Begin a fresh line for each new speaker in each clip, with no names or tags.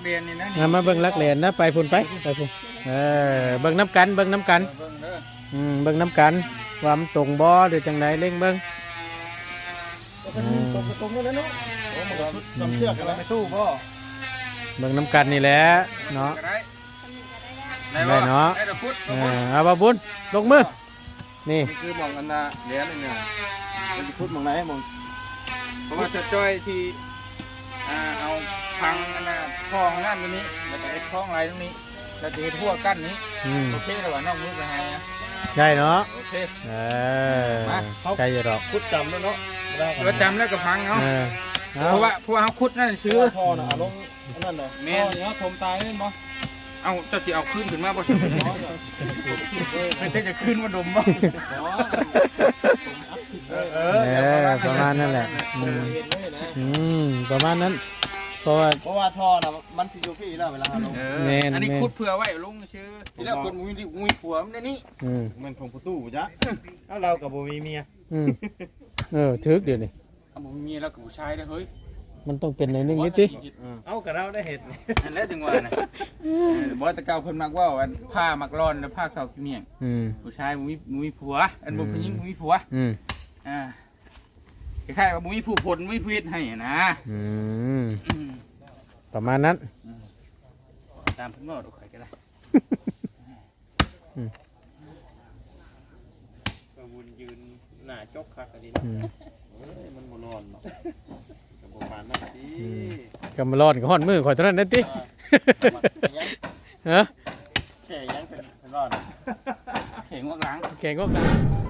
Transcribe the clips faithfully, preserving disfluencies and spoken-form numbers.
เรียนนี่นะ
มาเบิ่งลักเรียนนะไปพุ่นไปไปพุ่นเออเบิ่งน้ำกันเบิ่งน้ำกัน
เบิ่งเด้อ
อืมเบิ่งน้ำกันว่ามันตรงบ่หรือจังไดเล่งเบิ่ง
ตรงตรงนั้นเนาะโอ้มันก็ชุดจำเชือกกันแล้วไม่ตู้บ่
เบิ่งน้ำกันนี่แหละเนาะ
ได้
ได้เนาะ
ได้ตะพุด
เออเอาบ่บุญลงมือนี่
นี่คือมองอันน่ะเหรียญนี่เนี่ยมันจะพูดมองไหนมอง
เพราะว่าจะจ้อยที่อ่าเอาพังอันน่ะคลองนั่นตรงนี้แล้วก็ไอ้คลองอะไรตรงนี้แล้วจะเฮ็ดทั่วกั้นนี้
อืม
โอเคแล้วว่านอกนี้ไปให้นะ
ได้เนาะ
โอเค
เออใจอยู่ดอก
พูดจำแล้วเนาะ
เดี๋ยวจำแล้วก็พังเอา
เออเอา
เพราะว่าเพราะว่าเขาคุดนั่นชื่อ
พ่อน่ะลงนั่นเลย
แม่น
เนี่ยผมตายเล่นบ่
เอาเจ้าสิเอาขึ้นขึ้นมาบ่ใช่ไม่ใช่จะขึ้นมาดมบ่เออ
เออประมาณนั่นแหละอืมอืมประมาณนั้นเพราะว่า
เพราะว่าท่อน่ะมันสิอยู่พี่แล้วเวลาลง
เอ
แม่น
ออันนี้
แม่น
คุดเผื่อไว้ลุงชื่อทีแรกคนมุ้ยมุ้ยผัวมันในนี้
อืม
มันของประตูจ้ะเอาเรากับบ่มีเมีย
อืมเออถึกเดี๋ยวนี้
เอาผมมีแล้วกับผู้ชายได้เฮ้ย
มันต้องเป็นในนึงนิดติ
เอากับเราได้เห็ด
นั่นแหละจังหวะนะบอกตะเกาเพิ่นมักว่าอันผ้ามักร้อนแล้วผ้าขาวขี้เมียง
อืม
ผู้ชายมุ้ยมุ้ยผัวอันบ่ผู้หญิงมุ้ยผัว
อืม
อ่าคล้ายๆว่ามุ้ยผู้ผลมุ้ยผู้เฮ็ดให้นะ
อืมประมาณนั้น
ตามเพิ่นบอกดูใครก็ได้
กระวุนยืนหน้าจกคักอันนี้
อืม
มันบ่นอนเนาะก็ประมาณนั้นสิ
กำมาร้อนก็ฮ้อนมือข่อยเท่านั้นนั่นติฮะ
แค่ยังเป็นเป็นรอด
เข่งวักหลัง
แข่งก็กัน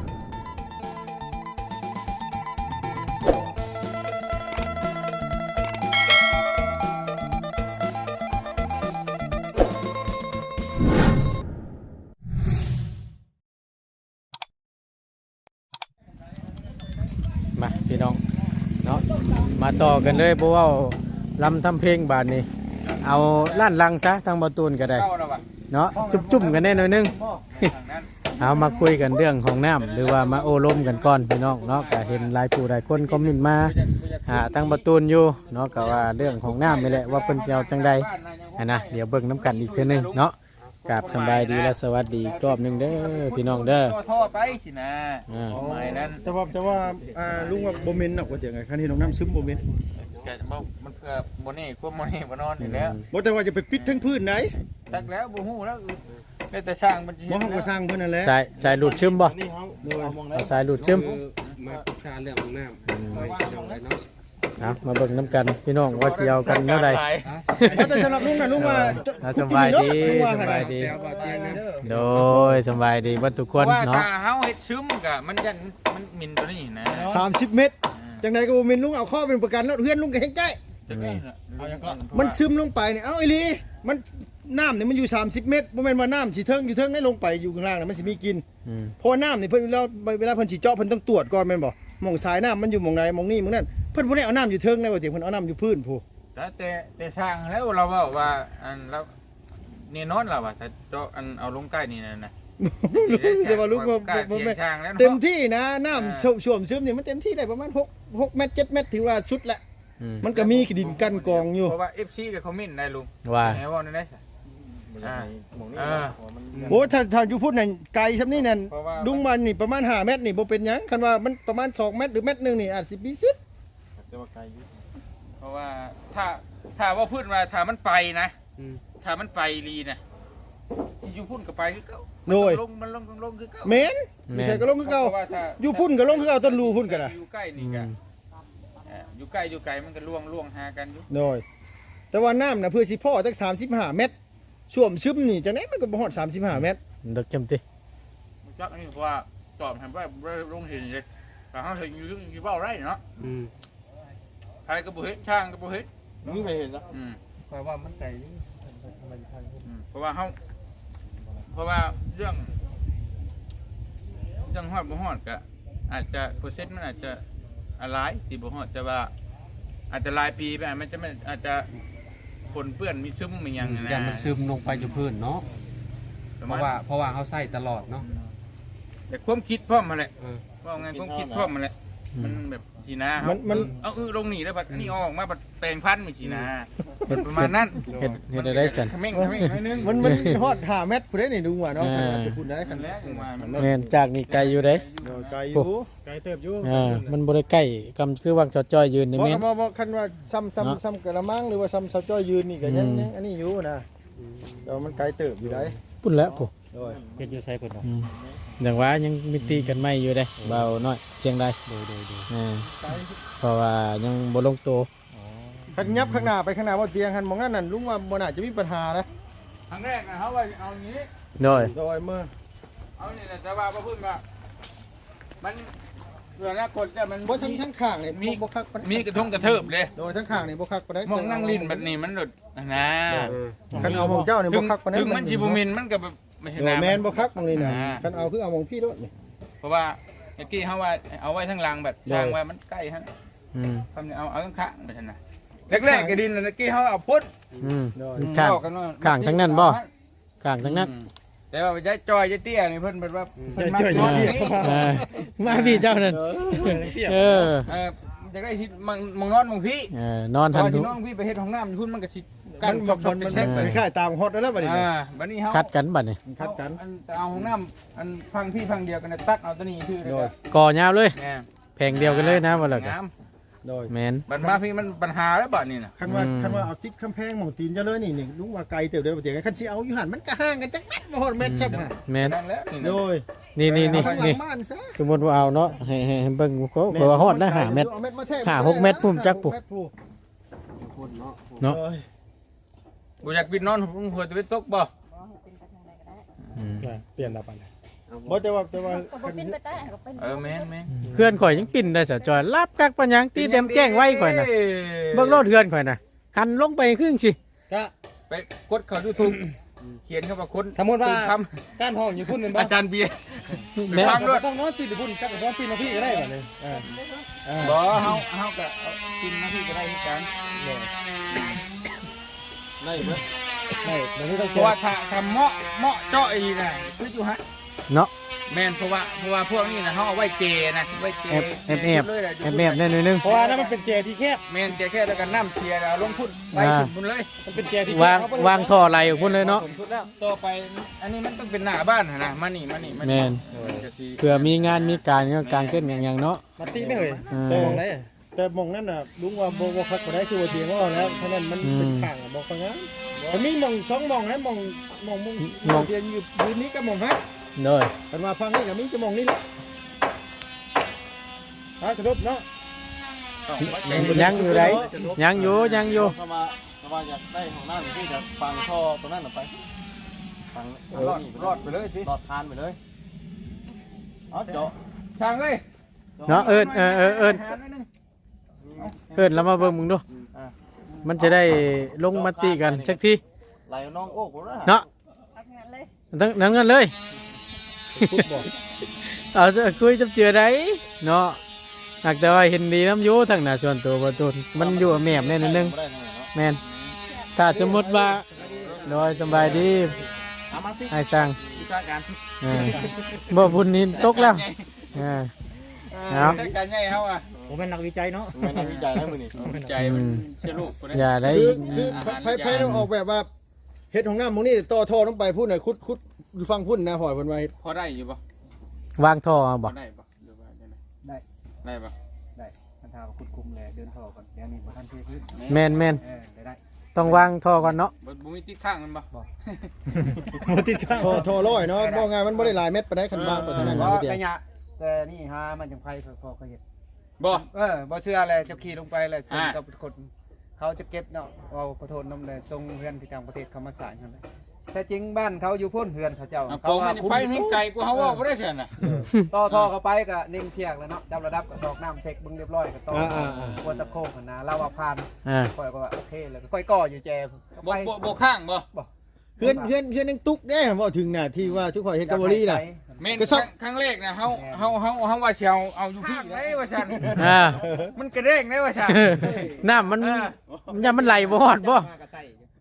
มาพี่น้องเนาะมาต่อกันเลยเพราะว่าลำทำเพลงบาทนี้เอาล้านลังซะทางบอตูนก็ได้
เข้าแล้วว่ะ
เนาะจุ่มๆกันแน่หน่อยนึง
ทางนั้น
เอามาคุยกันเรื่องของน้ำหรือว่ามาโอ้ลมกันก่อนพี่น้องเนาะก็เห็นหลายผู้หลายคนคอมเมนต์มาหาทางบอตูนอยู่เนาะก็ว่าเรื่องของน้ำนี่แหละว่าเพิ่นสิเอาจังใดอะนะเดี๋ยวเบิ่งน้ำกันอีกเทื่อนึงเนาะกราบสำบายดีและสวัสดีอีกรอบหนึงเด้อพี่น้องเด้อ
ท่อไปสินะ
อ่า
ประมาณนั้น
แต่ว่าแต่ว่าอ่าลุงว่าบ่เมนหนักกว่าจังไงคันที่น้องน้ำซึมบ่เมน
แกจะบอกมันเพื่อโมนี่ควบโมนี่มานอนอยู่แล้ว
บ่แต่ว่าจะไปปิดทั้งพื้นไหน
ตักแล้วบูฮู้แล้วได้แต่ช่างมันจะ
บ่เฮาก็สร้างเพิ่นนั่นแหละ
สายสายหลุดชึมบ่
นี่เฮาเอามองได้
เอาสายหลุดชึม
มาปรึกษาเรื่องของน้ำไปจังไรเนาะ
เอามาเบิ่งน้ำกันพี่น้องว่าสิเอากันเท่าใด
แต่สำหรับลุงน่ะลุงว่า
เอาสบายดีสบายดี
แก้วบ่เตียงนะ
โดยสบายดีเบัดทุกคน
ว่า
เนาะ
ถ้าเฮาเฮ็ดซึมกะมันยันมันมินตัวนี้นะ
สามสิบเมตรจังไดก็บ่เมนลุงเอาข้อเป็นประกันแล้วเฮือนลุงก็แฮงใจ
นี่
มันซึมลงไปเนี่ยเอ้าไอ้ลีมันน้ำเนี่ยมันอยู่สามสิบเมตรบ่แม่นว่าน้ำสิเทิงอยู่เทิงได้ลงไปอยู่ข้างล่างน่ะมันสิมีกิน
อืม
เพราะว่าน้ำนี่เพิ่นเวลาเวลาเพิ่นสิเจาะเพิ่นต้องตรวจก่อนแม่นบ่หม่องสายน้ำมันอยู่หม่องใดหม่องนี้หม่องนั้นเพิ่นบ่ได้เอาน้ำอยู่เทิงได้ว่าเดี๋ยวเพิ่นเอาน้ำอยู่พื้นพู
แต่แต่แต่ช่างแล้วเราว่าว่าอันแล้วนี่นอนเราว่าถ้าเจาะอันเอาลงใกล้นี่นะนะ
แต่ว่าลูกบ่
กล้า
บ่
เถีย
แม่
งช่างแล้ว
เต็มที่นะน้ำท่วมซึมนี่มันเต็มที่ได้ประมาณหก หกเมตรเจ็ดเมตรถือว่าชุดละ
อืม
มันก็มีดินกั้นกองอยู่
เพราะว่า เอฟ ซี กับคอมเมนต์ได้ลุง
ว่า
แหมว่านั่นได้อ่าเออ
โอ้ถ้าถ้าอยู่พูดนั่นไกลซำนี้นั่น
เพราะว่า
ดุงมันนี่ประมาณห้าเมตรนี่บ่เป็นหยังคันว่ามันประมาณสองเมตรหรือเมตรหนึงนี่อาจสิมีสิบ
เพราะว่าถ้าถ้าว่าพูดมาถ้ามันไปนะ
อืม
ถ้ามันไปลีนะสิอยู่พุ่นกับไปคือเก่า
โดย
มันลงมันลงลงคือเก่า
เมนไม่ใช่ก็ลงคือเก่า
พระว่ถ้า
อยู่พุ่นก็ลงคือเก่าต้นรูพุ่นก็ได้
อยู่ใกล้นี่กันอยู่ใกล้อยู่ไกลมันก็ล่วงล่วงหากันอยู่
โดยแต่ว่าน้ำน่ะเพื่อสิพ่อจักสามสิบห้าเมตรช่วมซึมนี่จังได๋มันก็บ่ฮอดสามสิบห้าเมตร
ดอกจำติ
จักนี่เพราะว่าจอมทำไว้ลงเห็นเลยแต่เขาเห็นอยู่อยู่เบ้าไร่เนาะ
อืม
ใครก็บ่เฮ็ดช่างก็บ่เฮ็ด
นี่ไม่เห็นแล้ว
อืม
คอยว่ามันไกลนี่ทำไมทาง
อืมเพราะว่าเขาเพราะว่าเรื่องเรื่องฮอดบ่ฮอดก็อาจจะเปอร์เซ็นต์มันอาจจะหลายสิบ่ฮอดแต่ว่า อาจจะหลายปีไปอาจมันจะไม่อาจจะปนเปื้อนมีซึมมีหยังนะ
ยันมันซึมลงไปอยู่พื้นเนาะ
ประ
เพ
มาณ
ราะว่าเพราะว่าเขาใส่ตลอดเนาะ
แต่ความคิดพร้อมมาแหละ
เออ
ว่าไงความคิดพร้อมมาแหละมันแบบทีนา
มันมัน
เอาเออลงหนีแล้วบัดนี่ออกมาบัดแปลงพันธุ์มีทีนาประมาณนั้น
เฮ็ดเฮ็ดได้สั่น
เขม่งเขม่งหน่อยนึง
มันมันฮอดห้าเมตรผู้ใดนี่ดูว่าเนาะคันว่าจะพูดได้คั
คั
น
นแรกมามัน
แม่นจากนี่ไกลอยู่เด้
เดี๋ยวไกลอยู่ไกลเติบอยู่
อ่ามันบ่ได้ใกล้กำคือวางจอจ้อยยืนนี่
บ่
แม่น
บ่บ่คันว่าซ้ำ
เนาะ
ซ้ำซ้ำกระมังหรือว่าซ้ำเสาจ้อยยืนนี่ก็ยัง
อืม
ยังอันนี้อยู่นะเดี๋ยวมันไกลเติบอยู่ได้
พุ่นแล้วพุ
โดย
เฮ็ดอยู่ไสเพิ่นเนาะ
อืมอย่างว่ายังมีตีกันไม่อยู่เด้เบาน้อยเสียงได้
โดยโดยโดย
อ่าเพราะว่ายังบ่ลงตัว
คันยับข้างหน้าไปข้างหน้าบ่เตียงหันมองนั่นนั่นลุงว่าบ่น่าจะมีปัญหานะ
ครั้งแรกนะเขาว่าเอาอย่างนี้
โดย
โดยเมื่อ
เอานี่แหละแต่ว่าพระพึ่งว่ามันเพื่อนละคนแต่มัน
บ่ทั้งทั้งข้างนี่
มี
บ่คักปานใด
มีกระทงกระเทิบเลย
โดยทั้งข้างนี่บ่คักปานใด
มองนั่งลิ้นแบบนี้มันหลุดนะ
คันเอาของเจ้านี่
ถึ
บ่
ง
คักปานใด
ถึงมันจิบุมินมันก็แบบไม่ใช่
โดย
น้ำ
แม่นบ่คักตรงนี้น่ะ
อ่า
คันเอาคือเอาของพี่โดดนี่
เพราะว่าเมื่อกี้เขาว่าเอาไว้ทั้งหลังแบบช่างว่ามันใกล้ฮะ
อืม
ทำเนี่ยเอาเอาข้างข้างไปทันนะแรกๆก็ดินเมื่อกี้เขาเอาพุทธ
อืม
โดย
ข้าง
บอกกันว่า
ข้างทั้งนั้นบ่ ข้างทั้งนั้น
อืมแต่ว่าย้ายจอยย้ายเตี้ยนี่เพิ่นเป็นว่าเพิ่นมา
อ่า
จอยนี่
อ่ามาพี่เจ้านั่นเออ
เออจะได้ฮิตมังมังนอนมังพี่
เออนอน
ต
ทัน
อน
ทุ
ที่
ก
น้องพี่ไปเฮ็ดห้องน้ำอยู่พุ่นมันก็สิ
กั
กัน น
มัน
ชอบชอบ
มัน
เช็คไป
มันคล้ายตามฮอตแล้วบัดนี้
อ่าบัดนี้เฮา
คัดกันบัดนี้
คัดกัน
อันเอาห้องน้ำอันพังพี่พังเดียวกันน่ะตัดเอาตัวนี้คือเลย
โดย
ก่อยาวเลย
แม่
แพงเดียวกันเลยนะว่าแล้วกัน
งาม
โดย
แม่น
บัดมาพี่มันปัญหาแล้วบัดนี้น่ะ
คันว่า
อืม
คันว่าเอาติดกำแพงหม่องตีนเจ้าเลยนี่นี่ลุงว่าไกลเติบเด้อบ่เตียงคันสิเอาอยู่หั่นมันก็ห่างกันจักแม่นบ่ฮอดเมตรซับน่ะ
แม่น
นั่นแหละนี่
โด
นะ
ย
นี่นี่นี่
เอาข้างหลั
นี่
งบ้านซะ
สมมุติว่าเอาเนาะให้ให้ให้เบิ่งโคเพราะว่าฮอดแล้วห้าเมตร
อาเม็ดมาแทก
ห้าหกเม็ดพุ่มจักปุ๊
ห้าหเม็ดพุ่ม
คนเนาะ
เนาะ
โอ้ย
บ่อยากปิดนอนหัวจะไปตกบ่
อืม
เปลี่ยนแล้วปานใดบ่แต่ว่าแต่ว่า
ก็บ่เป็นไปได้ก็เป็น
เออแม่นแม่น
เพื่อนข่อยยังปิ่นได้สะจอยรับกักปัญญังตีเต็มแจ้งไว้ข่อยน่ะเบิ่งโลดเพื่อนข่อยน่ะหันลงไปครึ่งสิ
ก็
ไปกดเข้า YouTube เขียนเข้ามาคน
สมมุติว่า
ตื่นท
การห้องอยู่พุ่นแม่น
ำ
บ่
อาจารย์เบียร์
แม่
ฟังด้วย
ต้องนอนติดอยู่พุ่นจักนอนติดมาพี่ก็ได้บัดนี้เออเออ
บ่เฮาเฮาก็เอากินมาพี่ก็ได้เหมือนกัน
ได้เบิด
ได้เดี๋ยวนี้ต้อง
เพ
เจ
ราะ
อ
ว่าถ้าถ้าเหมาะเหมาะเจาะอีน่ะคืออยู่ฮะ
เนาะ
แม่นเพราะว่าเพราะว่าพวกนี้นะเฮาเอาไว้เจนะไว้เจ
แอบแอบแอบ
เลยะ
แอบแอบแน่นิดนึง
เพราะว่านั่นมันเป็นเจที่แคบ
แม่นเจแค่แล้วก็น้ำเทียแล้วลงพุ่นไป
อ่า
พุ่นพุ่นเลย
มันเป็นเจที่
วางวางท่อไหลออกพุ่นเลยเนาะ
ผมสุดแล้ว
ต่อไปอันนี้มันต้องเป็นหน้าบ้านหั่นนะมานี่มานี่มา
แม่
นี่
น
มันจะสิ
เผื่อมีงานมีการก็กางเต้นอย่างๆเนาะ
มาติไม่เอ่ย
อืม
แต่
มองได้
แต่หมองนั่นน่ะลุงว่าบ่บ่คักบ่ได้คือว่าเตียงว่าแล้วเพราะนั้นมัน
อืม
เป็นข้างอะบ่ฟังงามมันมีหม่องสองหม่องนะหม่องหม่องหม่อง
หม่อง
เตียงอยู่พื้นนี้กับหม่องฮัก
โดย
กันว่าฟังนี่ก็มีจะหม่องนี้แหละฮะกระทบเนาะ
ต้องไว้ใจ
ยังอยู่ไรยังอยู่ยังอยู่
ถ้ามาถ้ามาอยากได้ของน้ำที่จะฟังท่อตรงนั้นออกไปฟัง
รอดรอดไปเลยสิ
หลอดทานไปเลยเอาเจาะ
ช่างเลย
เนาะเอิญเออเออเอิญ
หาหน่อยหนึง
เอิญแล้วมาเบิ่งมึงดูมันจะได้ลงมติกันสักที
ไหลน้องโอ้กูนะ
เนาะ
เอางานเลย
ทั้งนั้นกันเลย
ฟุตบอล
เอาจะคุยจับเจือได้เนาะหากแต่ว่าเห็นดีน้ำอยูทั้งหน้าส่วนตัวประตูนมันอยู่แมบแน่นิดนึง
บ่ได้แน่เนาะ
แมนถ้าสมมติว่าโดยสบายดี
เอามาสิ
ให้สร้าง
วิชาการ
เออบ่บุญนี่ตกแล้วเออ ครับ
วิชาการใหญ่เฮาอ่ะ
ผมเป็นนักวิจัยเนาะ
ไม่นักวิจัยแล้วมือนี่
วิจัยมันเชื่อลูกคนนี้
อย่าได้
คือคือไผไผต้องออกแบบว่าเฮ็ดของน้ำหมองนี้ต่อท่อลงไปพุ่นน่ะคุดคุดอยู่ฟังพุ่นนะหอยเพิ่นว่าเฮ็ด
พอได้อยู่ปะ
วางท่อเอา
พ
บ่
อได้ปะหรือว่าได้ไหม
ได้
ได้ปะ
ได้ท่านทาคุดคุมแลเดินท่อก่อนเดี๋ยวนี้บ่ทันเทพื้น
แมนแมน
เออได้ได้
ต้องวางท่อก่อนเนาะ
บ่บ่มีติดข้างมันปะ
บ่ติดข้าง
ท่อท่อร้อยเนาะบ่ง่ายมันบ่ได้หลายเม็ดปานใดคันบางปานนั้น
ก็
นะพี่เตีย
กระยะแต่นี่หามันจังไผพอเขาเฮ็ด
บ่
เออบ่เชื่ออะไรเจ้าขี่ลงไปเลยส่งกับคนเขาจะเก็บเนาะเอาขอโทษนำเลยส่งเพื่อนที่ต่างประเทศเขามาสร้างนั่นแหละแต่จริงบ้านเขาอยู่พุ่นเฮือนเขาเจ้า
เอา
เขา
โป่ง
ว่า
มันจะไปให้ไกลกว่าเฮาว่าบ่ได้เสียน่ะ
ต่อท่อเข้าไปก็นิ่งเพียกแล้วเนาะจับระดับก็ดอกน้ำเช็คบึงเรียบร้อยก็ต่อ
อ่าอ่า
ควรตะโคกนะเราว่าผ่าน
อ่า
ค่อยก็ว่าโอเคเลยค่อยก่ออยู่แจก็
บ่
ไป
บ่บ่ข้างบ่
เพื่อนเพื่อนเพื่อนยังตุกได้เว้าถึงน่ะที่ว่าทุกข่อยเฮ็ดกับบ่ลีน่ะ
แม่น
ก็ซับ
ครั้งแรกนะเฮาเฮาเฮาเฮาว่าสิเอาเอาอยู่พี่ได้ว่าซั่น
อ่า
มันกระเด้งได้ว่าซั่น
น้ำมัน
เออ
อย่ามันไหลบ่ฮอดบ่
เ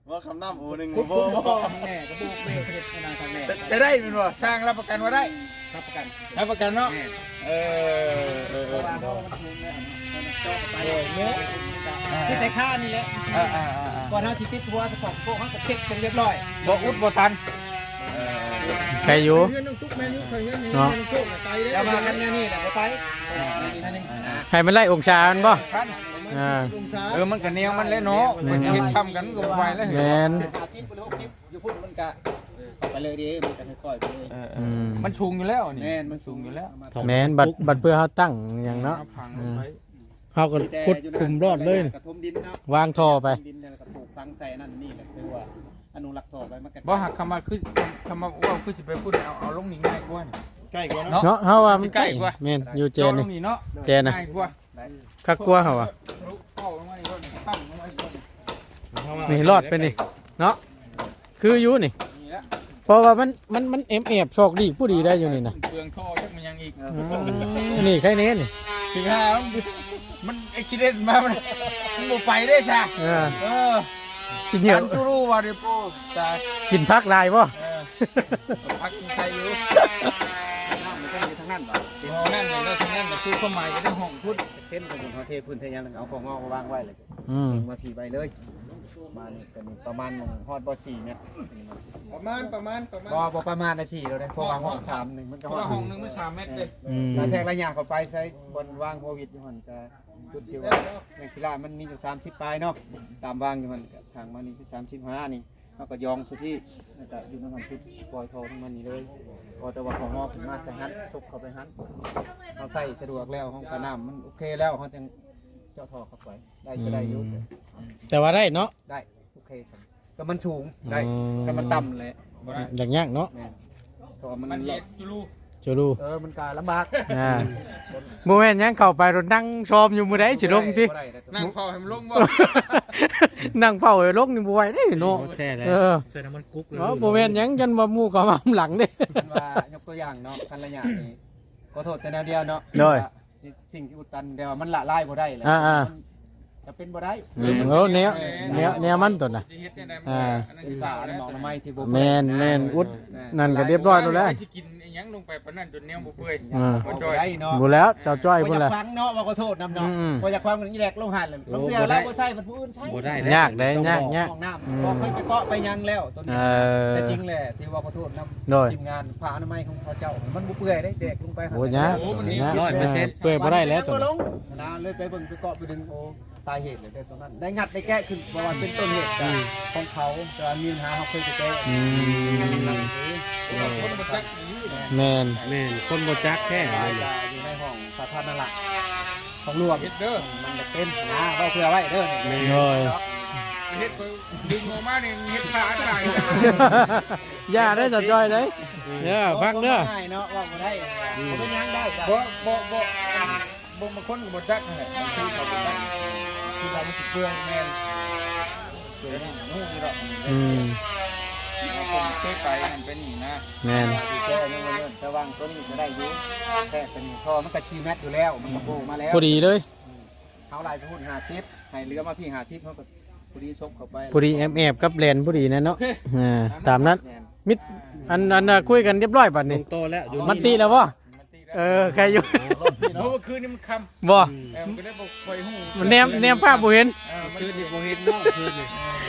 ว่าคำน้ำโอ้หนึ่ง
กุ๊บ
โบ
กุ๊บ
โบ
ทำแม่ก็บุกเบรกเฮ็ดนานทำแม่
จะได้เป็นบ่สร้างรับประกันว่าได้
รับประกัน
รับประกันเนาะ
แม่
เออเออ
เพ
เอ
ราะ
อ
ว่าเขามันถูกแล้วมันเจาะไปเนี่ยที่ใส่ข้านี่แหละ
อ่าอ่าอ่า
ก่อนเขาสิติดหัวสปอกโก้เขาก็เช็คเป็นเรียบร้อย
บ่อุดบ่ทัน
ใครอยู่
เงินน้องตุ๊กแม่นอยู่เคยเงินนี่
เนาะ
น้องโชคน่ะไกลเด้
แล้วมากันเนี่ยนี่แหละไปนี่นั่นนึง
ให้มันไล่องศามันบ่
ทัน
อ่า
องศา
เออมันก็แนวมันเลยเนาะมันเฮ็ดช้ำกันก็บ่ไหวแล้ว
แมน
หาชิปหรือหกชิปอยู่พุ่นมันกะไปเลยดิมันจะค่อยๆไปเลย
เออเออมันสูงอยู่แล้วนี่
แม่นมัน
สูงอยู่แล้ว
แมนบัดบัดเพื่อเขาตั้งอย่างเนาะ
พังลงไป
เขาก็ขุดคุมรอดเลย
กระทมดินเนาะ
วางท่อไป
ดินแล้วก็ปลูกฟังใส่นั่นนี่แหละคือว่าอนุรักษ์ท่อไปมันก็
บ่หักคำว่าคือคำว่าว่าคือสิไปพูดเอาเอาลงนี่ง่ายกว่านี่
ใกล้กว่าเนาะ
เนาะเฮาว่ามัน
ใกล้กว่า
แมนอยู่เจ
โจ
น
ล
นี่
งนี่เนาะ
เจนนะ
ง่ายกว่า
คักกลัวเฮาว่า
เข้าลงมานี่ก็ตั้งลงมาอีก
นี่รอดไปนี่เนาะคืออยู่นี่
นี่ละ
เพราะว่ามันมันมันเอ็มเอฟโชคดีผู้ดีได้อยู่นี่นะ
เปลืองท่อจักมันยังอีก
อืมนี่ใครเน้นนี่
ถึงหามันอุบิเหตุมามันมันบ่ไปได้จ้ะ
เออ
เออ
กินเหี่ยว
ฉันก็รู้ว่าเดี๋ยวโป้จ้ะ
กินพักลายบ่
เออพักใส่อยู่
น้ำมันก็อยู่ทางนั้นบ่
ห้องนั่นนี่แล้วทางนั้นก็คือความหมายก็ได้ห้องพุทธ
เส้นของเขาเทพื้นเทยังเอาของงอกมาวางไว้เลย
อืม
มาผีใบเลยมานี่เป็นประมาณฮอดบ่สี่เมตร
ประมาณประมาณประมาณ
บ่บ่ประมาณได้สี่เราได้เพราะว่าห้องสามหนึ่งมัน
เพ
ก็
ราะ
ฮอ
ว่า
ด
ห้องหนึงมันสามเมตรเลย
อืม
แล้วแทงระยะเข้าไปใช้บนวางโควิดอยู่หั่นจะจุดที่ว่าในกีฬามันมีอยู่สามสิบปลายเนาะตามวางอยู่หั่นทางมานี่คือสามสิบห้านี่เราก็ยองสุดที่แล้วก็อยู่ในหันทุดปล่อยทองมันนี่เลยพอแต่ว่าของงอกขึ้นมาใส่หันซุกเข้าไปหันเราใส่สะดวกแล้วห้องกระน้ำมันโอเคแล้วเขาจึงเจาะท่อเข้าไปได้จะได้อยู่
แต่ว่าได้เนาะ
ได้โอเคใช่ก็มันสูงได้
อืม
ก็มันต่ำเลย
อย่างยากเนาะ
แม่นเพราะว่ามัน
มันเฮ็ดอยู่รู้
จะรู้
เออมันการลำบาก
อ่าโมเมนต์ยังเข้าไปรถนั่งชมอยู่มื้อใดสิลงติ
บ่ได้ได้
นั่งเฝ้าให้มันลงบ่
นั่งเฝ้าให้ลงนี่บ่ไหวเด้เนาะเออ
ใส่น้ำมันกุ๊กเลย
เนาะโมเมนต์ยังจนว่าหมู่ก็มาหลังเด้
เป็นว่ายกตัวอย่างเนาะกันระยะนี่ขอโทษแต่แนวเดียวเนาะ
โดย
สิ่งที่อุดตันแต่ว่ามันละลายบ่ได้เลย
อ่าๆ
มันจะเป็นบ่ได้
อืมโอ้แนวแนวแนวมันตัวน่ะ
สิเฮ็ดได้ได้
อ่า
อันนั้น
เป็นป่าอันนั้นหมอกน้ำไม้ที่บ่
แม่นแม่นอุดนั่นก็เรียบร้อยแล้วแหละ
สิกินอีหยังลงไปปานนั้นจนแนวบ่เปื่อย
อ่า
บ่ได้เนาะ
บ่แล้วเจ้าจ้อย
บ่
พุ่น
อยา
ล่ะ
กฟังเนาะว่าขอโทษนำเนาะ
อืม
บ่อยากฟังมันนี่แหลกลงหันเลยลงเตือแล้วบ่ใส่มันผู้อื่นใช้
บ่ได้
ยากเด้ยากยาก
ห้องน้ำบอกให้ไปเกาะไปยังแล้วตัว
เอ
นี้
อ
แต่จริงแหละที่ว่าขอโทษนำ
โดย
ทีมงานผ่าอนามัยของเขาเจ้า มันบ่เปื่อยได้แตกลงไป
โอ้ยาก
โอ้มัน
ยาก
ร้อยเปอร์เซ็นต์
เปื่อยบ่ได้แล้วตัว
ล
นั้น
งนะเลยไปเบิ่งไปเกาะไปดึงโอ้สาเหตุเลยได้ตรงนั้น ได้งัดได้แก้ขึ้นบ่ว่าเป็นต้นเหตุจากของเขาแต่ว่ามีปัญหาเขาเคยไปแก้
อืม
คนบ่จักอยู่
แม่น
แม่นคนบ่จักแค่
แต่
อะไร
ว่าอยู่ในห้องสาธารณะของหลวง
เฮ็ดเด้อ
มันจะเป็นนะเว้าเพื่อไว้เด้อนี่
โดย
เฮ็ดไปดึงออกมานี่เฮ็ดขาได้
อย่าได้เจ้าจ้อยเด้เด้อฟังเด้อ
ง่ายเนาะว่าบ่ได้บ่เป็นหยังได้จ้ะ
บ่บ่บ่บ่บางคนก็บ่จักนั่นแหละบางทีเขาบ่จักคือเรามันสิเปื่อยแม่นเปื่อยนี่ฮู้อยู่ดอก
อืม
คนเคยไปนั่นเป็นนี่นะ
แม่น
สิแก้นี่มันเรื่องแต่ว่างต้นนี้ก็ได้อยู่แต่เป็นท่อมันก็ชีแมทอยู่แล้วมันก็โผล่มาแล้ว
พอดีเลย
เขาลายไปพูดหาซิปให้เรือมาพี่หาซิปเขาก็พอดีซบเข้าไป
พอดีแอมแอบกับแลนพอดีนะเนาะอ่าตามนั้น
แม่น
มิดอันอันน่ะคุยกันเรียบร้อยบัด
ตร
นี้
งโตแล้วอยู่
มันตีแล้วบ่
มันตีแล้ว
เออใครอยู่
เพราะว่าคืนนี้มันค่ำ
บ่
เออมันก็ได้บ่ค่อยฮู้
มันแนมแนมภาพบ่เห็น
เออมัน
คือดิบ่เฮ็ดเนาะคือนี่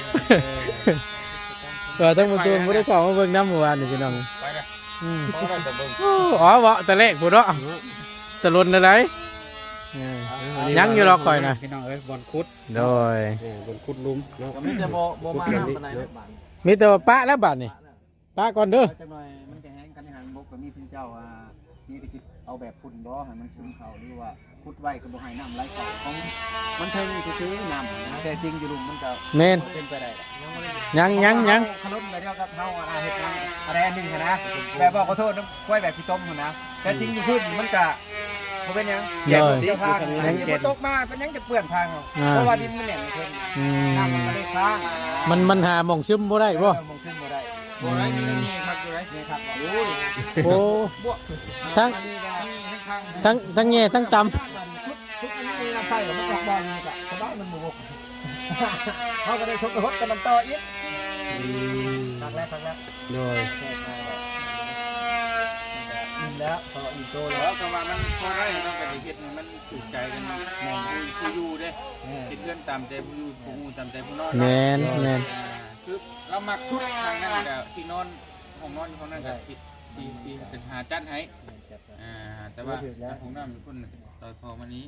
เออทั้งหมดตัวบ่ได้เข้ามาเบิ่งน้ำเมื่อวานนี่พี่น้อง
ไปละ
อืม
เพราะว่าจะเบิ่ง
อ๋อบ่แต่แรกพุ่นเนาะตะลนเลยได้เออยังอยู่รอคอยนะ
พี่น้องเอ้ยบอลคุด
โดย
เออบอลคุดลุมเนาะ
ก็มีแต่บ่บ่มาน้ำปานใดเนาะบ้าน
มีแต่ว่าปะแล้วบัดนี้ปะก่อนเด้อ
จังหน่อยมันจะแห้งกันในหันบกก็มีเพิ่นเจ้าอ่ามีกระติบเอาแบบฝุ่นบ่ให้มันซึมเข้าหรือว่าพุดไว้ก็บ่ให้น้ำไหลเข้าของมันเทิงซื่อๆน้ำนะแต่จริงอยู่ลุมมันก็
แม่น
เป็นไปได้
ยังยังยัง
ขลุ่นไปเดียวกับเฮาอาเฮ็ดหยังอะไรอันหนึงหั้นนะแบบบอกขอโทษน้ำกล้วยแบบพี่ต้มหั่นนะแต่จริงอยู่พื้นมันก็บ่เป็นหยัง
โดย
เดี๋ยวพาง
ยัง
เดี๋ยวตกมาเป็นหยังจะเปื้อนพางเอา
อ่า
เพราะว่าดินมันแหน่งเพิ่น
อื
น้ำมัน
ม
ก็เลยค้าง
มันมันหาหม่องซึมบ่ได้บ่
เออมองขึ้นบ่ได้
บ่ได้นี่นี่ครับอยู่ไหน
นี่ครับ
โอ้ย
โอ้
บ่
ทั้ง
อันนี้ก็ให้ข้าง
ทั้งทั้งแง่ทั้งต่ำ
ทุกอันนี้มีน้ำใส่แล้วมันออกบ่อยนี่ก็สบายมันบ่บก
เขาก็ได้ชกกระทบกันมันต่ออีก
อืม
ครั้งแรกครั้งแรก
โดย
อิ่มแล้วพออิ่มโตแล้
แล้ว วก็ว่ามันพอได้เนาะก็ได้เฮ็ดให้มันถูกใจกันแม่นผู้อยู่เด้คิดเพื่อนตามใจผู้อยู่ผู้ฮู้ตามใจผู้นอน
แม
เนาะ
นแมน
อ่าคือเรามักชุดทางนั้นก็ที่นอนห้องนอนอยู่ห้องนั้นก็ที่ที่ที่เป็นหาจัดให้อ่าแต่ว่าห้องน้ำคนต่อทอมานี้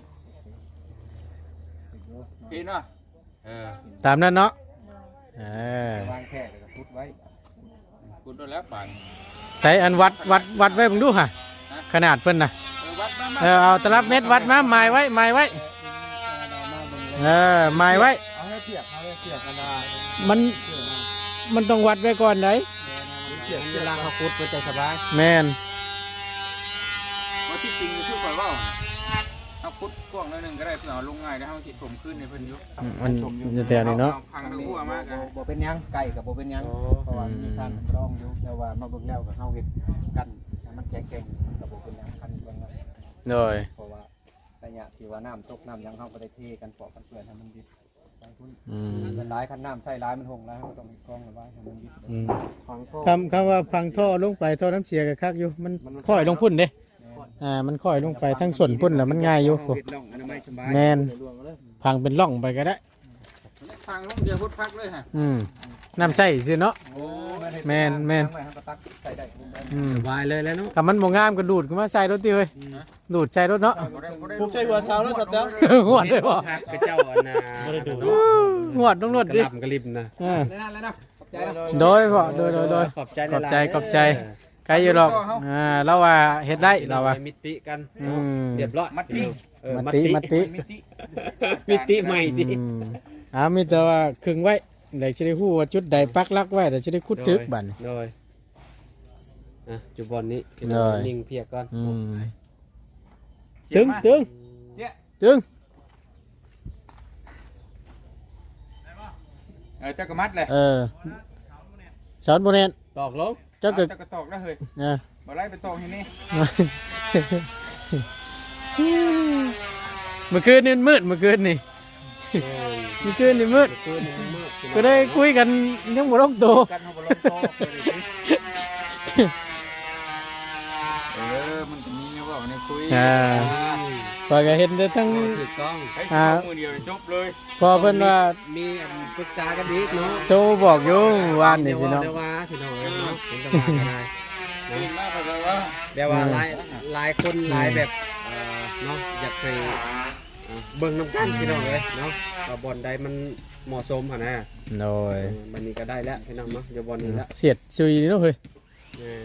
โอเคเนาะเออ
ตามนั้นเนาะเออ
วางแค่แล้วก็พุดไว้
กูโดนแล้วป่าน
ใช้อันวัดวัดวัดไว้มึงดูค่ะขนาดเพิ่นน่ะ
เออวัดมามา
เออเอาตลับเม็ดวัดมาหมายไว้หมายไว้เออหมายไว้
เอาให้เทียบเอาให้เทียบกันนะ
มันมันต้องวัดไว้ก่อนไหน
เทียบ
เวลาเขาพุดมันจะสบาย
แมน
ว่าที่จริงคือข่อยว่าเอาพุทธกว้างหน่อยหนึงก็ได้เพื่อเอาลงง่ายได้เฮาสิถมขึ้นในเพิ่นอยู่
มันอยู่แต่นี่เนาะ
อพังทั้งหัวมากอะ
บ่เป็นหยังไก่กับบ่เป็นหยังเพราะว่ามีการร้องอยู่แต่ว่ามาเบิ่งแล้วก็เฮาเฮ็ดกันให้มันแข็งๆมันก็บ่เป็นหยังคันเบิ่งแล้ว
โดย
เพราะว่าระยะที่ว่าน้ำตกน้ำหยังเฮาก็ได้เทกันปอกกันเปื้อนให้มันดิบไปพุ่น
อืม
มันร้ายคันน้ำใส่ร้ายมันหงร้ายเฮาก็ต้องกรองเอาไว้ให้มันดิบ
อืม
ของโทษ
คำคำว่าพังท่อลงไปท่อน้ำเสียกับคักอยู่มันค่อยลงพุ่นเด้อ่ามันค่อยลงไปทั้งส่วนพุ่นแล้วมันง่ายอยู่
เฮ็ดร่องอนามัยสบาย
แมนพังเป็นร่องไปก็ได้
พังลงเดียวพุทธพักเลยฮะ
อืมน้ำใส่สิเนาะ
โอ้
แม่นแม่น
เฮาก็ตักใส่ได้
อืม
สบายเลยแล้วเนาะ
ถ้ามันบ่งามก็ดูดขึ้นมาใส่รถติเว้ยดูดใส่รถเนาะ
บ่ได้บ่ได้
ผมใช้หัวเสาแล้วจัดแล้ว
งวดเลยบ่
กระเจ้าอันน่ะ
งวดต้องรถ
กระ
ดิ
ลำกระลิบนะ
เออ
ได้นั่นแล้วนะขอบใจนะ
โดยพ่อโดยโดยโดย
ขอบใจ
ขอบใจขอบใจใครอยู่หรอกอ่าเราว่าเฮ็ดได้เราว่า
มิติกัน
อืม
เรียบร้อย
มัดติ
เออ
มัติมัติ
มิติ
มิติใหม่ดิ
อืมอ่ามีแต่ว่าครึ่งไว้เดี๋ยวจะได้ฮู้ว่าจุดใดปักหลักไว้เดี๋ยวจะได้คุดทึกบัดนี้
โดยอ่ะจุบอลนี้
โดย
นิ่งเพียกก่อน
อืมตึงตึง
เนี่ย
ตึง
เออเจ้าก็มัดเลย
เออสอนบ่แน่น
ตอกลง
เจ้าก็
เจ้าก็ตอกแล้วเฮ้ย
เออ
บ่ไล่ไปตอกที่นี่
เมื่อคืนนี่มืดเมื่อคืนนี่เมื่อคืนนี่มืด
คืนนี้มืด
ก็ได้คุยกันยังบ่ลงตัว
กันเฮาบ่ลงโตะเออมันก็มีนะว่าในคุย
อ่าพอยก็เห็นแต่ทั้ง
ถูกต้อง
ให้สิเอามือเดียวจบเลย
พอเพิ่นว่า
มีอันปรึกษากันดีเนาะ
โทรบอกอยู่วานนี่พี่น้อง
เดี๋ยวว่าพี่น้องเนาะเป็นตำนานกันได้
ตื่นมาเพราะว่า
เดี๋ยวว่าหลายหลายคนหลายแบบเอ่อเนาะอยากไปเอ่อเบิ่งน้ำกันพี่น้องเลยเนาะว่าบอลใดมันเหมาะสมหั่นนะ
โดย
เออมันนี้ก็ได้แล้วพี่น้องเนาะเดี๋ยวบอลนี้แล้ว
เสียดซุยนี่เนาะเฮ้ย
เออ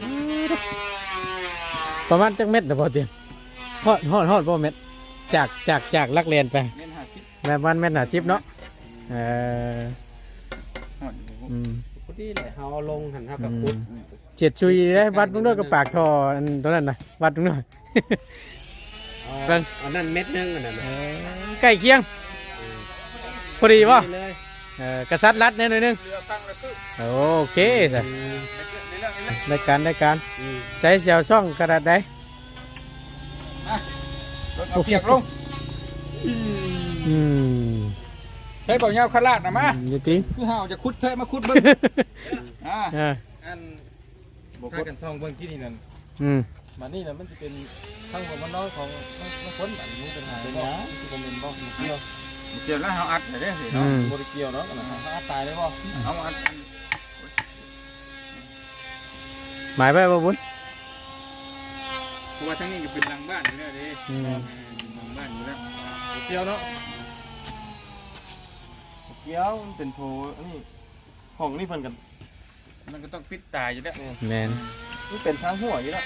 ประมาณจักเม็ดน่ะพอเตียงฮอดฮอดฮอดบ่เม็ดจากจากจากลักเรียนไป
เน้นหาคิด
แบบวันเม็ดหนาชิปเนาะเออ
หอด
อืม
พอดีเลยเฮาเอาลงหันเฮากับพุทธ
เจ็ดชุยได้วัดตรงนู้นกับปากทออันตรงนั้นนะวัดตรงนู้น
เอา
เบิ่ง
อันนั้นเม็ดหนึงอันนั้นน่ะ
ใกล้เคียงพอดีป่ะ
นี่เลย
เออกระซัดรัดแน่หน่อยนึง
เรือฟังแล้วคือ
โอเคจ้ะ
อืม
ในเรื่องนี้
ได้การได้การ
อืม
ใช้เสียวช่องกระดาษได้
รถเอาเปียกลง
อืม
ใช้เป่าเงาขลาดนะมา
อยู่จริง
คือเฮาจะคุดเทะมาคุดเบิ่งอ่า
เออ
อันถ้ากันท่องเบิ่งที่นี่นั่น
อืม
มานี่น่ะมันจะเป็นทั้งของมันน้อยของมันมันพ้นอันนี้เป็นหาเป็นหยังที่บ่แม่นบ่เกี่ยว
เกี่ยวแล้วเฮาอัดได้สิ
อื
เนาะ
ม
บ่ได้เกี่ยวเนาะอันนั้นหาตายเลยบ่
เอามาอัด
หมายไปบ่บุญ
เพราะว่าทั้งนี้ก็เป็นหลังบ้านอยู่แล้วเด้
อืม
หลังบ้านอยู่แล้ว
บ่เกี่ยวเนาะบ่เกี่ยวมันเป็นโถอันนี้ห้องนี่เพิ่นกัน
มันก็ต้องปิดตาอยู่แล้ว
แมน
มันเป็นทางหัวอยู่แล้ว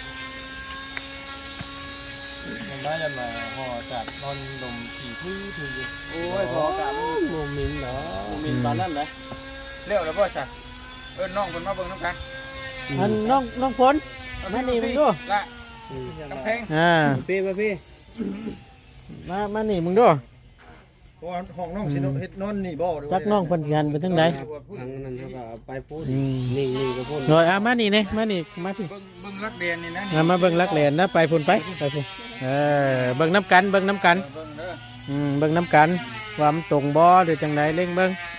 มันได้ยันมาห่อจากนอนดมขี่พื้นพื้นอยู่โอ้ยพออากาศมัน
โมมินเหรอ
บ่มีปานนั้นแหละ
เร็วแล้วบ่จ้ะเอิ้นน้องเพิ่นมาเบิ่งนำกัน
อันน้องน้องฝน มานี่มึงดู
ละ
อืม
กำแพง
อ่า
พี่ป่ะพี่
มามานี่มึงดู
เพราะว่าห้องน้องสิเนาะเฮ็ดนอนนี่บ่ด้วย
จักน้องเพิ่นสิหันไปทางใด
ทางนั้นเขาก็เอาไปพูด
อืม
นิ่งนิ่งก็พูด
หน่อยอ่ะมานี่เน่มานี่มาพี่
เบิ่งเบิ่งรักเดียนนี่นะ
อ่ะมาเบิ่งลักแหลนนะไปพุ่นไปไปพุ่นเออเบิ่งน้ำกันเบิ่งน้ำกัน
เบิ่งเด้อ
อืมเบิ่งน้ำกันว่ามันตรงบ่หรือจังไดเล่งเบิ่ง
เ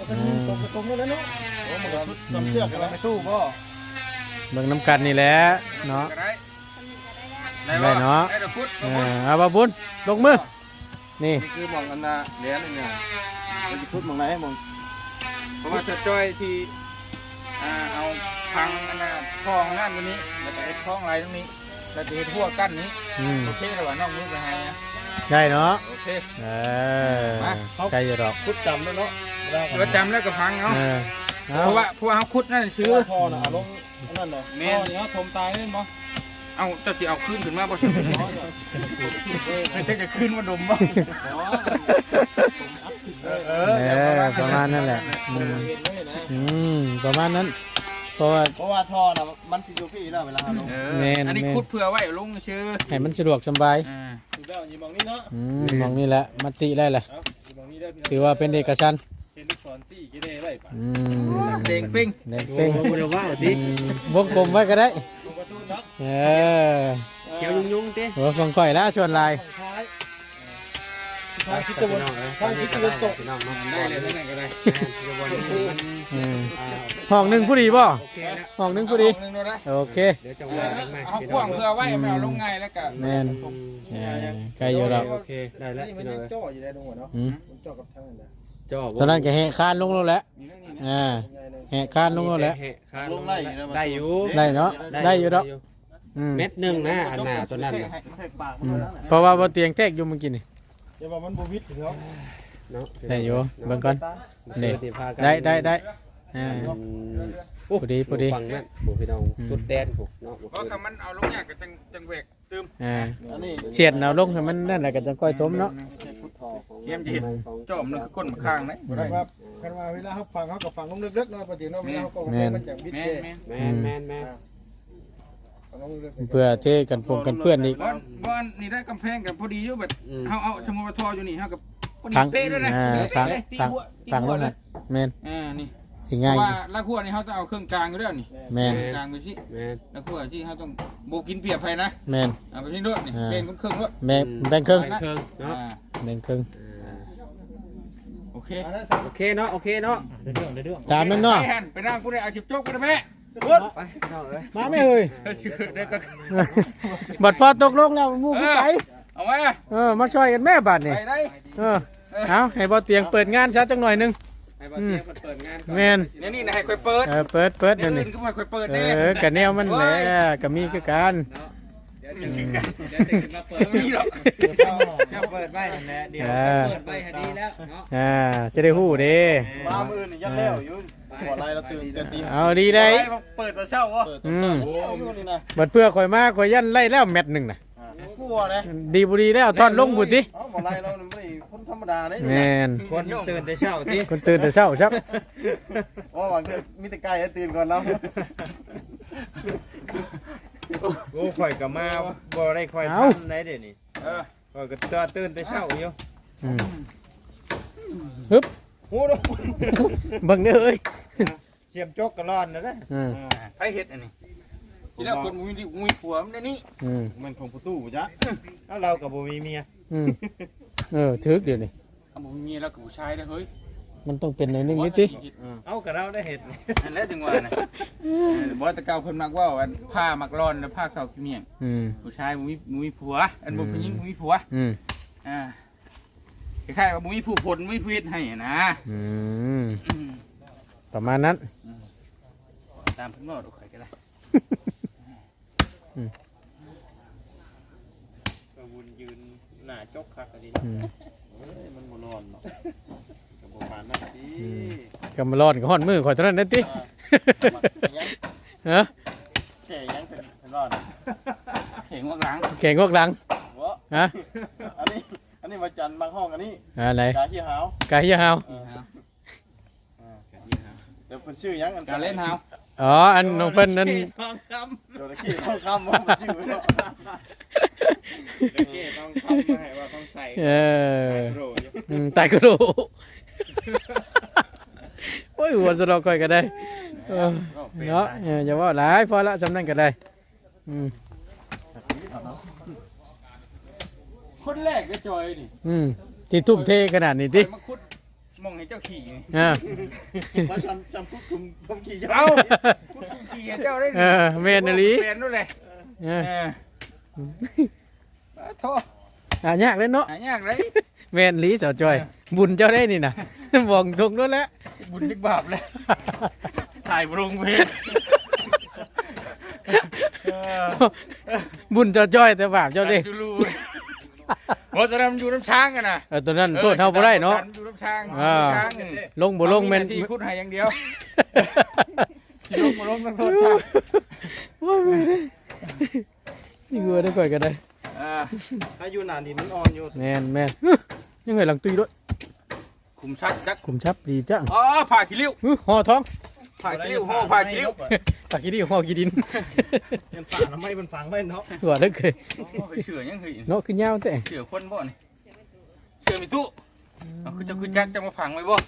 ก็จะตรงตรงแล้วเนาะโอ้มันก็ชุดจำเชือกกันแล้วไม่ตู้บ่
เบิ่งน้ำกันนี่แหละเนาะ
ได้
ได้เนาะ
ได้ดอกพุด
เออเอาบ่บุญลงมือนี่
นี่คือมองอันน่ะเหรียญนี่มันจะพูดมองไหนมอง
เพราะว่าจะจ้อยที่อ่าเอาพังอันน่ะท้องนั่นตรงนี้แล้วก็ไอ้ท้องไรตรงนี้แล้วจะเห็นทั่วกั้นนี้
อืม
โอเคแล้วว่าน้องมือไปให้นะ
ได้เนาะ
โอเค
เออใกล้จะดอก
พูดจำแล้วเนาะ
แล้วจำแล้วก็พังเนาะ
เออเอา
เพราะว่าเพราะว่าเขาคุดนั่นซื้อ
พ่อน่ะเอาลงนั่นน่ะ
แม่
พ่อนี่เขาทมตายเล่นบ่
เอาเจ้าสิเอาขึ้นขึ้นมาบ่ใช่ไม่ใช่จะขึ้นมาดมบ่เออ
เออประมาณนั่นแหละอืมอืมประมาณนั้นเพราะว่า
เพราะว่าท่อน่ะมันสิอยู่พี่แล้วเวลาเอาลง
เอ
แม่
อน อันนี้
แม่น
คุดเพื่อไว้ลุงชื่อ
ให้มันสะดวกสบาย
อ่า
ถูกแล้วนี่มองนี่เนาะ
อืมมองนี่แหละมติได้แหละ
เอามองนี่ได้พี่
ถือว่าเป็นเอกชันท์
เห็นลูกศรสี่กี่ได้ไว้ป่ะ
อืม
เด้งปิ้ง
เด้งเป้ง
เดี๋ยวว่าติ
อืมวงกลมไว้ก็ได้
ลงประตูเนาะ
เออ
เขียวยุ่งๆติ
หัวของข่อยแล้วชวนลาย
ท้ายท้ายคิดตะวันท้ายคิดตะวันตก
ได้เลยนั่นก็ได้
อืมห้องหนึ่งผู้ดีบ่ห้องหนึ่งผู้ดี
หนึ่งโดนได้
โอเค
เอาพ่วงเพื่อไว้ไม่เอาลงง่ายแล้วก็
แมนเออใกล้อยู่แล้ว
โอเคได้แล้ว
นี่มัน
พี่น้
ยั
อง
งจ่ออยู่ได้ตรงหัวเนาะ
อืม
มันจ่อกับทางนั้นนะ
จ่อ
ตอนนั้นก็แหกคานลงแล้วแหละอ่า
ยังไงเลย
แหกคานลงแล้วแหละ
ลงไล่ได้อยู่
ได้เนาะได้อยู่ดอกอืม
เม็ดหนึ่งนะอันหน้าตัวนั้นน่ะ
อืมเพราะว่าบ่เตียงแทกอยู่เมื่อกี้นี่
เดี๋ยวว่ามันบ่วิดถึงเขา
เนาะ
ได้อยู่เบิ่งก่อน
นี่
นี่ได้ได้ได้อ่า พอดีพอดี
ฟังนั่นผมพี่น้องสุดแดนผมเนาะ
เพราะคำมันเอาลงยากก็จังจังเวกตืม
อ่า
อันนี้
เสียดเอาลงให้มันนั่นแหละก็จะก้อยต้มเนาะ
เยี่ยมจะเห็นจอมนึงก้นมาข้างนะ
คันว่าคันว่าเวลาเขาฟังเขาก็ฟังลงลึกๆเนาะปกติเนาะเวลาเขาก็มันจะวิด
แม่
เด้
แม่
แมนแมนแมน
ฟังลงลึก
เพื่อเทกันปงกันเปื้อนอีก
บอนบอนนี่ได้กำแพงกับพอดีอยู่แบบเฮาเอาชมวทออยู่นี่เฮากับพอดี
พัง
เป๊ะด้วยนะ
อ่า
เป๊ะ
พัง
เลยตี
พัง
หัวตี
พังล
หัว
ง
เล
น่ะ
ย
แม่น
อ่านี่
สิ
เพ
ง่าย
ราะว่าละขั้วนี่เฮาต้องเอาเครื่องกลางอยู่แล้วนี่
แม่น
กลางไปสิ
แมน
ละขั้วที่เฮาต้องโบกินเปรียบไปนะ
แม่น
เอาไปที่รถนี่เป็นเครื่องรถ
แม่แบ่งครึ่ง
เครื่องเนาะ
อ่า
แบ่งครึ่ง
โอเค
ๆอันนั้นสั่ง
โอเคเนาะโอเคเนาะ
ตามนั้นเนาะ
ไปหันไปนั่งกูได้เอาชิบโจ๊กไปได้ไหม
ไปเนาะเลย
มาแม่เอ้ย
ชื่อได้ก็
บัดพอตกลงแล้วหมู่ผู้ไป
เอาไว้
เออมาช่วยกันแม่บัดนี่
ไปได้
เออเอาให้บ่เตียงเปิดงานซะจังหน่อยหนึง
ให้บ่เตียงเปิดงาน
แม่น
เนี่ยนี่นะให้ค่อยเปิด
เออเปิดเปิด
เดี๋
เดี๋
ย
ยว ว
อื่
นี้
นก็ไม่ค่อยเปิด
เอ
แน่
อก็แนวมันแหละก็มีคือกัน
เดี๋ยวเดี๋ยวเดี๋ยวจะมาเปิด
มีหรอก
เจ้าเปิดไว้นั่นแหละเดี๋ยว
อ่า
เปิดไปหาดีแล้วเนาะ
อ่าจะได้ฮู้เด้
มามือนี่ยันแล้วอยู่บ่ไรเราตื่นเต็มที่
เอาดีได้
เปิดตัวเช่าวะ
อืม
โอ้ยนี่นะ
บัดเพื่อข่อยมาข่อยยันไล่แล้วแมตช์หนึงน่ะ
กลัวเลย
ดีบ่ดีแล้วทอดลงพุ่นติ
เอ้าบ่ไรเราไม่ได้คนธรรมดาเลย
แม่น
คนตื่นแต่เช้าติ
คนตื่นแต่เช้าครับ
ว่าหวังจะมีแต่ไก่ตื่นก่อนเรา
โอ้ข่อยก็มาบ่ได้ข่อยทันได้เด้นี่
เออ
ข่อยก็ตื่นตื่นแต่เช้าอยู่
อืมฮึบ
โอ้โห
เบิ่งเด้อเอ้ย
เสียมจกก็ร้อนนะเด้อ
อืม
ไผเฮ็ดอันนี้ทีแรกคนมุ้ยมุ้ยผัวมันนี่
อืม
มันของประตูจ้ะเอ้าเราก็บ่มีเมีย
อืมเออถึกเดี๋ยวนี้
เอาบ่มีแล้วกับผู้ชายได้เฮ้ย
มันต้องเป็นในอยหนึงนิดติ
เอ้าก็เราได้เห็ด
นั่นแหละถึงว่านะบ่ตะเกาเพิ่นมักว่าอันผ้ามักร้อนแล้วผ้าขาวขี้เมียง
อืม
ผู้ชายมุ้ยมุ้ยผัว อันบ่ผู้หญิงมุ้ยผัว
อืม
อ่าคล้ายๆว่ามุ้ยผู้ผลมุ้ยผู้เฮ็ดให้นะ
อืมประมาณนั้น
ตามเพิ่นบอกข่อยก็ได้
ก็วนยืนหน้าจกคักอันนี้
อืม
เอ้ยมันบ่ร้อนเนาะก็บ่ปานนั้นสิ
กำมาร้อนก็ฮ้อนมือข่อยเท่านั้นนะติฮะ
แค่ยังเป็นร้อน
เข่งวักหลัง
แข่งงอกหลัง
บ่
ฮะ
อันนี้อันนี้มาจันบางห้องอันนี้
อะไร
กาที่หาว
กายยาว
เดี๋ยวเพิ่นชื่อหยังอัน
การเล่นเฮา
อ๋ออันน้องเพิ่นนั่น
ทองคำโดนกี้ทองคำว่ามันชื่อเนาะโดนกี้ทองคำมาให้ว่าต้องใส่
เออ
โรอยู่
อืมตายก็รู้โอ้ยหัวสะดอกก่อยก็ได้เออเนาะเอออย่าว่าหลายพอละสำนั้นก็ได้อืม
คนแรกได้จอยนี่
อืมที่ทุ่มเทขนาดนี้ติ
มาคุดมองให้เจ้าขี่
เออ
ว่าจำจำคุกคุมผมขี่ยา
เอ้าคุณขี่ให้เจ้าได้
เออแม่นอีหลี
แม่นนู่นแหละ
เอ
เอ
อ
อโทษ
อ่ะยากเลยเนาะ
หายากเลย
แม่นอีหลีเจ้าจ้อย บุญเจ้าได้นี่น่ะ บอกตรงนู้นแหละ
บุญจักบาปเลยถ่ายบรงเพชร
บุญเจ้าจ้อยแต่บาปเจ้าเด้
จูรูโอ้ตอนนั้นมันอยู่น้ำช้างกันนะ
เออตัวนั้นโทษเฮาบ่ได้เนาะ
อยู่น้ำช้าง
อ่า
ช้าง
ลงบ่ลงแม่น
ที่คุดให้อย่างเดียวที่ลงบ่ลงต้องโทษช้าง
ว่าแม่นเด้นี่งัวได้ก่อยก็ได้
อ่า
ถ้าอยู่นานดินมันอ่อนอยู่
แม่นแม่นยังไงหลังตุยด้วย
คุมชักจัก
คุมชับดีจัง
อ๋อผ่าขี้ริ้ว
อื้อห่อท้อง
ผ่าขี้ริ้วห่อผ่าขี้ริ้ว
ปากกี้ดีห่อกี้ดิน
ยังป่าทำไมมันฝังไว้เนาะ
หัวเลิกเลย
โอ้ยเชื่อยังเคย
เนาะคือยาวแต่
เชื่อคนบ่นี่เชื่อมีตู้เอาคือจะคือจักจะมาผังไว้บ่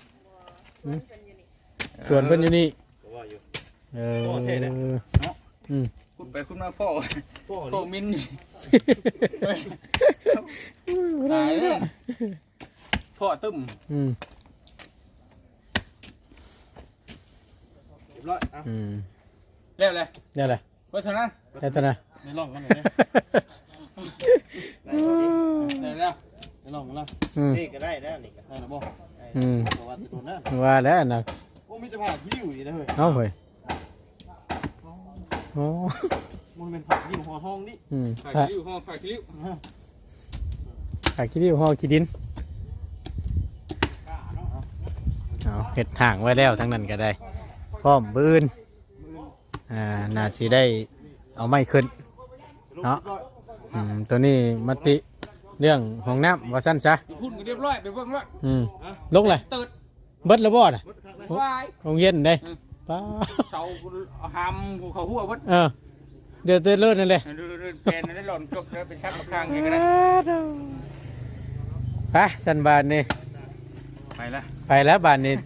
ส่วนเพิ่นอยู่นี่
ว่าอยู่
เอออืม
คุณไปคุณมาพ่อ
พ่อ
พ่อมินนี่ตายเลยพ่อตึ้ม
อืม
เรียบร้อยอ่ะ
อืม
แล้วเลย
ได้เลย
เพราะฉะนั้น
ได้ตัวน่ะ
ในร่องกันเลย
ได้แล้ว
ในร่องกันแล้ว
อืม
นี่ก็ได้แล้วนี่ก็ได้แล้วบ่
อืม
บอกว่าจะโดนนะ
ว่าแล้วนะ
โอ้มีจะผ่าที่อยู่นี่นะเฮ้ย
เอาเฮ้ยโอ้
มันเป็นผักที่หัวทองนี่
อืม
ผ่า
ผัก
ขี้ริ้วห่อผ่าขี้ริ้ว
ผักขี้ริ้วห่อขี้ดินเอาเห็ดห่างไว้แล้วทั้งนั้นก็ได้พร้อมบืนอ่าน่าสิได้เอาไม้ขึ้น เนาะ อืมตัวนี้มติเรื่องห้องน้ำว่าสั้นซะ
พูดกันเรียบร้อยไปเบิ่งแล้ว
อืมลงเลย
เติด
เบิดแล้วบ่น่ะ
วาย
โรงเย็นได้
อืม
ป้า
เสาหามเขาหัววัด
เออเดือดเตือนเลิศนั่นเลย
ดูดูแผ่นนั้นหล่นจกแล้วเป็นชั้นมาข้างอย่างนั้น
ไปสันบานนี่
ไปละ
ไปแล้วบานนี่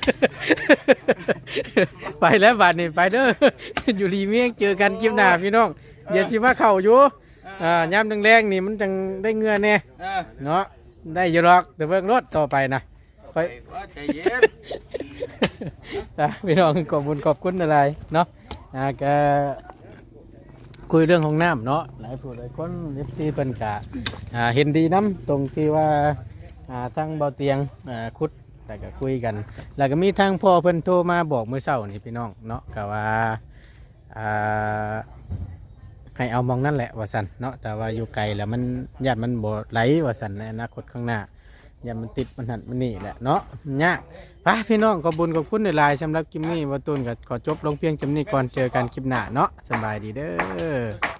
ไปแล้วบานนี่ไปเด้อ อยู่รีเมียงเจอกันคลิปหน้าพี่น้องเดี๋ยวสิมาเข้าอยู่อ่ายามแรงๆนี่มันจังได้เงื่อแน่
เออ
เนาะได้อยู่หรอกแต่เบิ่งรถต่อไปนะ
ไปว่าใจเย็น
อ่ะพี่น้องขอบคุณขอบคุณอะไรเนาะอ่าก็คุยเรื่องของน้ำเนาะหลายผู้หลายคนเอฟซีเพิ่นกะอ่าเห็นดีน้ำตรงที่ว่าอ่าทั้งเบาเตียงอ่าคุดแต่ก็คุยกัน แล้วก็มีทางพ่อเพิ่นโทรมาบอกเมื่อเช้านี่พี่น้องเนาะก็ว่าอ่าให้เอามองนั่นแหละว่าสันเนาะแต่ว่าอยู่ไกลแล้วมันญาติมันบ่ไหลว่าสันในอนาคตข้างหน้า อย่ามันติดมันหันมันนี่แหละเนาะมันยากไปพี่น้องขอบคุญขอบคุณในไลน์สำหรับคลิปนี้วัตุนกับขอจบลงเพียงจำนี้ก่อนเจอกันคลิปหน้าเนาะสบายดีเด้อ